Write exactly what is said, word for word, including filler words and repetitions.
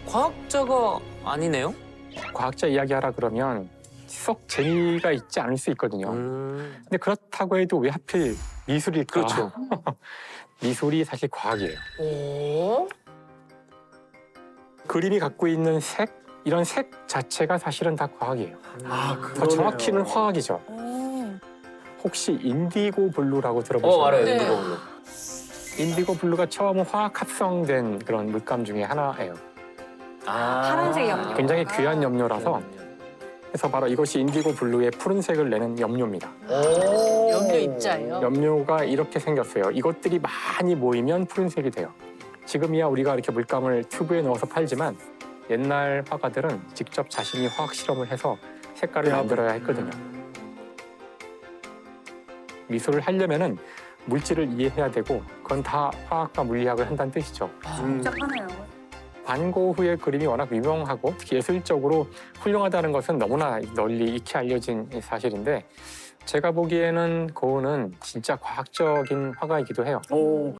과학자가 아니네요? 과학자 이야기하라 그러면 썩 재미가 있지 않을 수 있거든요. 음. 근데 그렇다고 해도 왜 하필 미술일까? 그렇죠. 미술이 사실 과학이에요. 오? 그림이 갖고 있는 색, 이런 색 자체가 사실은 다 과학이에요. 아, 더 정확히는 화학이죠. 음. 혹시 인디고 블루라고 어, 들어보셨나요? 알아요. 네. 인디고 블루. 인디고 블루가 처음 화학 합성된 그런 물감 중에 하나예요. 아. 파란색 염료. 굉장히 아. 귀한 염료라서 그래서 바로 이것이 인디고 블루의 푸른색을 내는 염료입니다. 오. 염료 입자예요? 염료가 이렇게 생겼어요. 이것들이 많이 모이면 푸른색이 돼요. 지금이야 우리가 이렇게 물감을 튜브에 넣어서 팔지만 옛날 화가들은 직접 자신이 화학 실험을 해서 색깔을 만들어야 했거든요. 미술을 하려면은 물질을 이해해야 되고 그건 다 화학과 물리학을 한다는 뜻이죠. 음. 복잡하네요. 반고흐의 그림이 워낙 유명하고 특히 예술적으로 훌륭하다는 것은 너무나 널리 익히 알려진 사실인데 제가 보기에는 고흐는 진짜 과학적인 화가이기도 해요. 오.